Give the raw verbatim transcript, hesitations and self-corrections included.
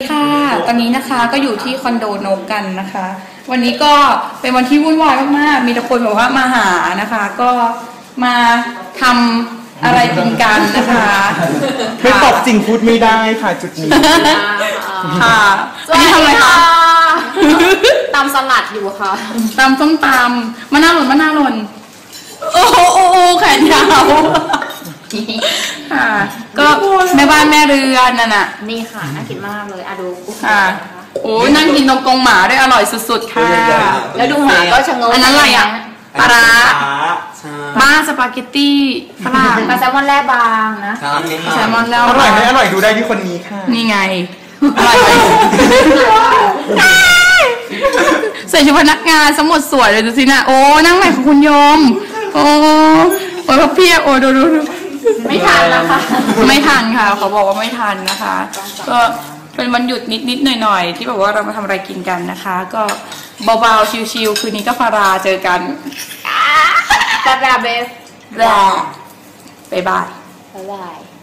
ค่ะตอนนี้นะคะก็อยู่ที่คอนโดนกกันนะคะวันนี้ก็เป็นวันที่วุ่นวายมากๆมีแต่คนบอกว่ามาหานะคะก็มาทำอะไรกินกันนะคะไม่ตอบจริงพูดไม่ได้ค่ะจุดนี้ค่ะวันนี้ทำอะไรคะตำสลัดอยู่ค่ะตำส้มตำมะนาวหล่นมะนาวหล่นโอ้โหโอ้โหแขนยาวค่ะก็แม่บ้านแม่เรือนนั่นน่ะนี่ค่ะน่ากินมากเลยอะดูค่ะโอ้นั่งกินตรงกงหมาได้อร่อยสุดๆค่ะแล้วดูหมาก็ชะงงอันนั้นอะไรอ่ะปลาร้าบ้าสปาเกตตี้ฝรั่งปลาแซลมอนแร่บางนะแซลมอนแล้วอร่อยไหมอร่อยดูได้ที่คนนี้ค่ะนี่ไงอร่อยไหมใส่ชุดพนักงานสมดสวยเลยดูสินะโอ้นั่งใหม่ของคุณโยมโอ้โอ้เพียโอ้ดูดูไม่ทันนะคะไม่ทันค่ะเขาบอกว่าไม่ทันนะคะก็เป็นวันหยุดนิดๆหน่อยๆที่แบบว่าเรามาทำอะไรกินกันนะคะก็เบาๆชิลๆคืนนี้ก็ฟาราเจอกันฟาราเบสแร่บ๊ายบายบ๊ายบาย